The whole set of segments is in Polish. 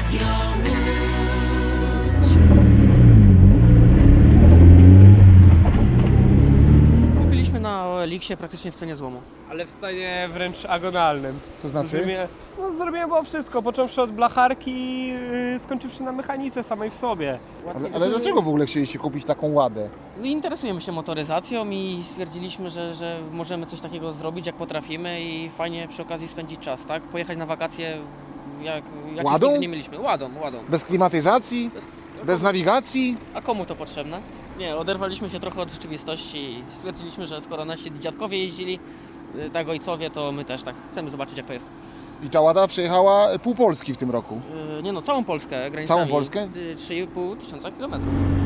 Kupiliśmy na OLX-ie praktycznie w cenie złomu. Ale w stanie wręcz agonalnym. To znaczy? Zrobiłem było wszystko, począwszy od blacharki, skończywszy na mechanice samej w sobie. Ale dlaczego w ogóle chcieliście kupić taką Ładę? Interesujemy się motoryzacją i stwierdziliśmy, że możemy coś takiego zrobić, jak potrafimy i fajnie przy okazji spędzić czas, tak? Pojechać na wakacje, jak Ładą? nigdy nie mieliśmy. Ładą. Bez klimatyzacji? Bez nawigacji? A komu to potrzebne? Nie, oderwaliśmy się trochę od rzeczywistości i stwierdziliśmy, że skoro nasi dziadkowie jeździli, tak ojcowie, to my też tak chcemy zobaczyć, jak to jest. I ta Łada przejechała pół Polski w tym roku. Nie no, całą Polskę granicami. Całą Polskę? 3,5 tysiąca kilometrów.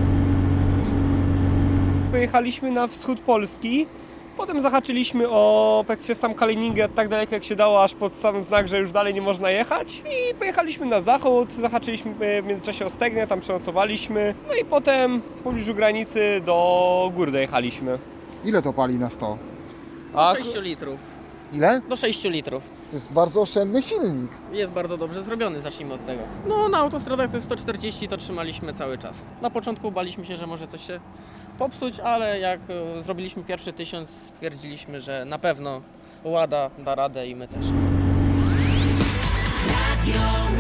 Pojechaliśmy na wschód Polski, potem zahaczyliśmy o praktycznie sam Kaliningrad tak daleko jak się dało, aż pod sam znak, że już dalej nie można jechać i pojechaliśmy na zachód, zahaczyliśmy w międzyczasie o Stegnie, tam przenocowaliśmy, no i potem w pobliżu granicy do gór dojechaliśmy. Ile to pali na 100? A 6 litrów. Ile? Do 6 litrów. To jest bardzo oszczędny silnik. Jest bardzo dobrze zrobiony, zacznijmy od tego. No na autostradach to jest 140, to trzymaliśmy cały czas. Na początku baliśmy się, że może coś się popsuć, ale jak zrobiliśmy pierwszy 1000, stwierdziliśmy, że na pewno Łada da radę i my też. Radio